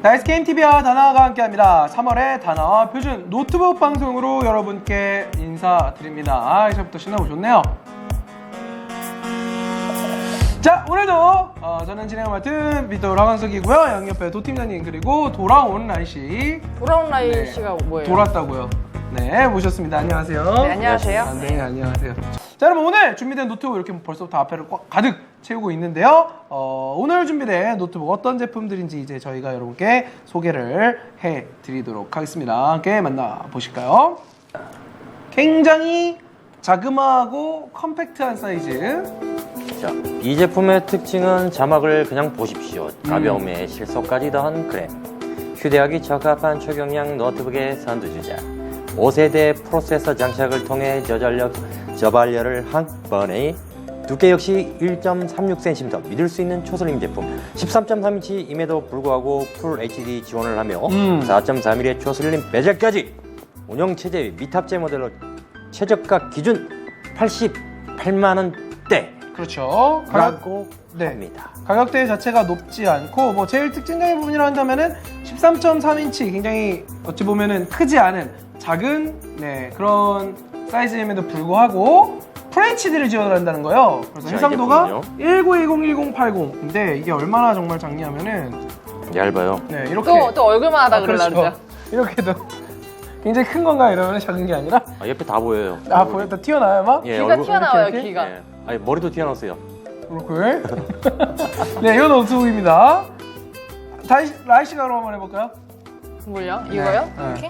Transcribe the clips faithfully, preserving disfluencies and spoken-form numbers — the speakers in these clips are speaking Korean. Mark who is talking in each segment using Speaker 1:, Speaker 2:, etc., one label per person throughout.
Speaker 1: 다이스 게임티비와 다나와가 함께합니다. 삼월의 다나와 표준 노트북 방송으로 여러분께 인사드립니다. 아, 이제부터 신나고 좋네요. 자, 오늘도 어, 저는 진행을 맡은 비토 라광석이고요. 양옆에 도팀장님 그리고 돌아온 라이씨.
Speaker 2: 돌아온 라이씨가 네. 뭐예요?
Speaker 1: 돌았다고요. 네, 모셨습니다. 안녕하세요.
Speaker 2: 네, 안녕하세요.
Speaker 1: 아, 네, 안녕하세요. 자, 여러분 오늘 준비된 노트북 이렇게 벌써부터 앞에를 꽉 가득 채우고 있는데요. 어, 오늘 준비된 노트북 어떤 제품들인지 이제 저희가 여러분께 소개를 해드리도록 하겠습니다. 함께 만나보실까요? 굉장히 자그마하고 컴팩트한 사이즈.
Speaker 3: 자, 이 제품의 특징은 자막을 그냥 보십시오. 가벼움에 실속까지 더한 그램. 휴대하기 적합한 초경량 노트북의 선두주자. 오 세대 프로세서 장착을 통해 저전력, 저발열을 한 번에 두께 역시 일 점 삼육 센티미터 믿을 수 있는 초슬림 제품. 십삼 점 삼 인치임에도 불구하고 풀 에이치디 지원을 하며
Speaker 1: 음.
Speaker 3: 사 점 삼 밀의 초슬림 베젤까지 운영체제 미탑재 모델로 최저가 기준 팔십팔만 원대
Speaker 1: 그렇죠.
Speaker 3: 라고
Speaker 1: 네.
Speaker 3: 합니다.
Speaker 1: 가격대 자체가 높지 않고 뭐 제일 특징적인 부분이라 한다면은 십삼 점 삼 인치 굉장히 어찌 보면은 크지 않은 작은 네, 그런 사이즈임에도 불구하고 풀에이치디를 지원을 한다는 거예요. 그래서
Speaker 3: 자,
Speaker 1: 해상도가 천구백십 일공 팔공. 근데 이게 얼마나 정말 작냐면은
Speaker 3: 얇아요.
Speaker 1: 네, 이렇게
Speaker 2: 또, 또 얼굴만 하다
Speaker 1: 아,
Speaker 2: 그러려
Speaker 1: 그렇죠.
Speaker 2: 그러죠.
Speaker 1: 이렇게도 굉장히 큰 건가 이러면 작은 게 아니라
Speaker 3: 아, 옆에 다 보여요.
Speaker 1: 아 보였다 튀어나와요 막?
Speaker 3: 예,
Speaker 2: 귀가
Speaker 3: 얼굴-
Speaker 2: 튀어나와요,
Speaker 1: 이렇게, 이렇게?
Speaker 2: 귀가.
Speaker 3: 예. 아니, 머리도 튀어나왔어요.
Speaker 1: 그렇고요. 네, 이건 노트북입니다. 다시 라이씨가 그럼 한번 해볼까요?
Speaker 2: 뭘요? 이거요?
Speaker 1: 네.
Speaker 2: 이렇게?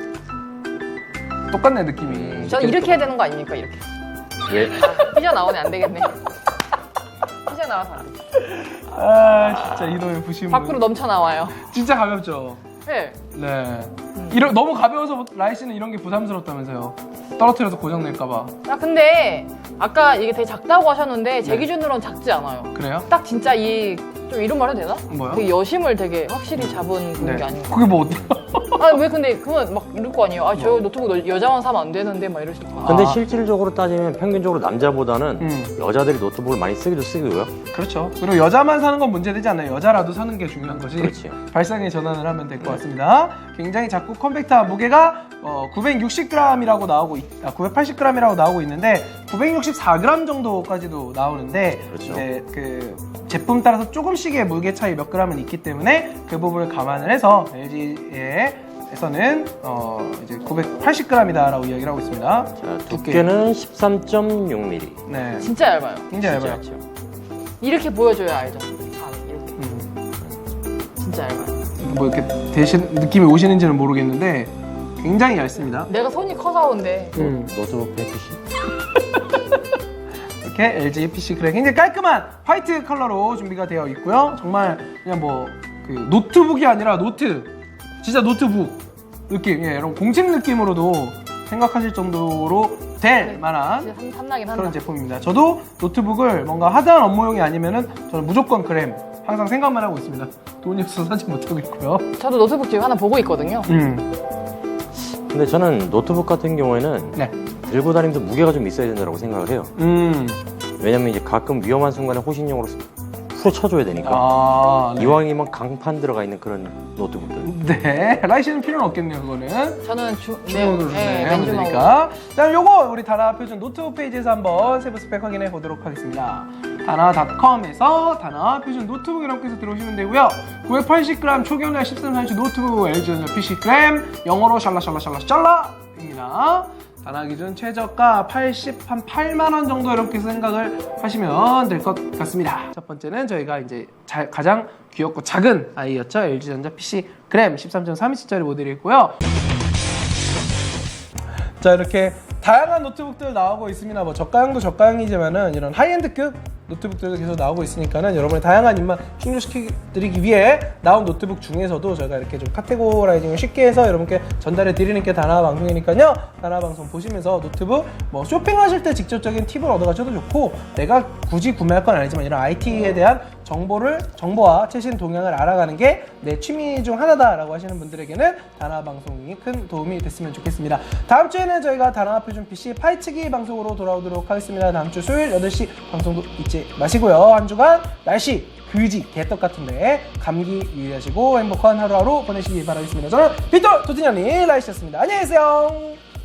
Speaker 1: 똑같네 느낌이.
Speaker 2: 저는 이렇게 해야 되는 거 아닙니까? 이렇게.
Speaker 3: 예.
Speaker 2: 삐져나오네, 안 되겠네. 삐져나와서 안 돼.
Speaker 1: 아 진짜 이놈의 부심을.
Speaker 2: 밖으로 넘쳐나와요.
Speaker 1: 진짜 가볍죠.
Speaker 2: 네.
Speaker 1: 네. 이러, 너무 가벼워서 라이씨는 이런 게 부담스럽다면서요. 떨어뜨려서 고장 낼까봐.
Speaker 2: 아, 근데 아까 이게 되게 작다고 하셨는데 제
Speaker 1: 네.
Speaker 2: 기준으로는 작지 않아요.
Speaker 1: 그래요?
Speaker 2: 딱 진짜 이, 좀 이런 말 해도 되나?
Speaker 1: 뭐요?
Speaker 2: 되게 여심을 되게 확실히 잡은 그런 게 아닌가.
Speaker 1: 그게 뭐 어때요?
Speaker 2: 아, 왜 근데 그건 막 이럴 거 아니에요? 아, 저 노트북 너- 여자만 사면 안 되는데 막 이러실 거.
Speaker 3: 근데
Speaker 1: 아.
Speaker 3: 실질적으로 따지면 평균적으로 남자보다는
Speaker 1: 음.
Speaker 3: 여자들이 노트북을 많이 쓰기도 쓰고요.
Speaker 1: 그렇죠. 그리고 여자만 사는 건 문제되지 않아요. 여자라도 사는 게 중요한 거지.
Speaker 3: 그렇지.
Speaker 1: 발상에 전환을 하면 될 것 같습니다. 굉장히 작고 컴팩트한 무게가 어, 구백육십 그램이라고 나오고 있, 아, 구백팔십 그램이라고 나오고 있는데 구백육십사 그램 정도까지도 나오는데
Speaker 3: 그렇죠.
Speaker 1: 이제 그 제품 따라서 조금씩의 무게 차이 몇 그램은 있기 때문에 그 부분을 감안을 해서 엘지에서는 어, 이제 구백팔십 그램이다라고 이야기를 하고 있습니다.
Speaker 3: 자, 두께는 십삼 점 육 밀리미터.
Speaker 1: 네,
Speaker 2: 진짜 얇아요.
Speaker 1: 굉장히
Speaker 3: 진짜
Speaker 1: 얇아요.
Speaker 3: 얇죠.
Speaker 2: 이렇게 보여줘야 알죠. 아, 이렇게.
Speaker 1: 음.
Speaker 2: 진짜 얇아요.
Speaker 1: 뭐 이렇게 대신 느낌이 오시는지는 모르겠는데 굉장히 얇습니다.
Speaker 2: 내가 손이 커서 온데.
Speaker 1: 음.
Speaker 3: 노트북 백피씨.
Speaker 1: 이렇게 엘지 피씨 그래 굉장히 깔끔한 화이트 컬러로 준비가 되어 있고요. 정말 그냥 뭐 그 노트북이 아니라 노트, 진짜 노트북 느낌, 예, 이런 공책 느낌으로도 생각하실 정도로 될
Speaker 2: 네,
Speaker 1: 만한
Speaker 2: 진짜 탐- 탐나긴 한다.
Speaker 1: 그런 제품입니다. 저도 노트북을 뭔가 하드한 업무용이 아니면은 저는 무조건 그램 항상 생각만 하고 있습니다. 돈이 없어서 사지 못하고 있고요.
Speaker 2: 저도 노트북 지금 하나 보고 있거든요.
Speaker 1: 음,
Speaker 3: 근데 저는 노트북 같은 경우에는
Speaker 1: 네,
Speaker 3: 들고 다니면서 무게가 좀 있어야 된다고 생각을 해요.
Speaker 1: 음,
Speaker 3: 왜냐면 이제 가끔 위험한 순간에 호신용으로 풀어 쳐줘야 되니까.
Speaker 1: 아, 네.
Speaker 3: 이왕이면 강판 들어가 있는 그런 노트북들.
Speaker 1: 네, 라이씨는 필요는 없겠네요, 그거는.
Speaker 2: 저는 주,
Speaker 1: 주먹으로
Speaker 2: 네,
Speaker 1: 하면
Speaker 2: 맨주먹으로.
Speaker 1: 되니까. 자, 요거 우리 다나 표준 노트북 페이지에서 한번 세부 스펙 확인해 보도록 하겠습니다. 다나닷컴에서 다나 표준 노트북이라고 해서 들어오시면 되고요. 구백팔십 그램 초경량 십삼 점 삼 인치 노트북 엘지 피씨 그램 영어로 샬라샬라샬라 샬라입니다. 다나 기준 최저가 팔십팔만 원 정도 이렇게 생각을 하시면 될 것 같습니다. 첫 번째는 저희가 이제 자, 가장 귀엽고 작은 아이였죠. 엘지전자 피씨 그램 십삼 점 삼 인치짜리 모델이고요. 자, 이렇게 다양한 노트북들 나오고 있습니다. 뭐 저가형도 저가형이지만은 이런 하이엔드급 노트북들도 계속 나오고 있으니까는 여러분의 다양한 입맛 충족시켜드리기 위해 나온 노트북 중에서도 저희가 이렇게 좀 카테고라이징을 쉽게 해서 여러분께 전달해 드리는 게 다나 방송이니까요. 다나 방송 보시면서 노트북 뭐 쇼핑하실 때 직접적인 팁을 얻어가셔도 좋고 내가 굳이 구매할 건 아니지만 이런 아이티에 대한 정보를 정보와 최신 동향을 알아가는 게 내 취미 중 하나다라고 하시는 분들에게는 다나 방송이 큰 도움이 됐으면 좋겠습니다. 다음 주에는 저희가 다나 표준 피씨 파헤치기 방송으로 돌아오도록 하겠습니다. 다음 주 수요일 여덟 시 방송도 잊지 마시고요. 한 주간 날씨 그지 개떡 같은데 감기 유의하시고 행복한 하루하루 보내시기 바라겠습니다. 저는 빅돌 도진현이 라이씨였습니다. 안녕히 계세요.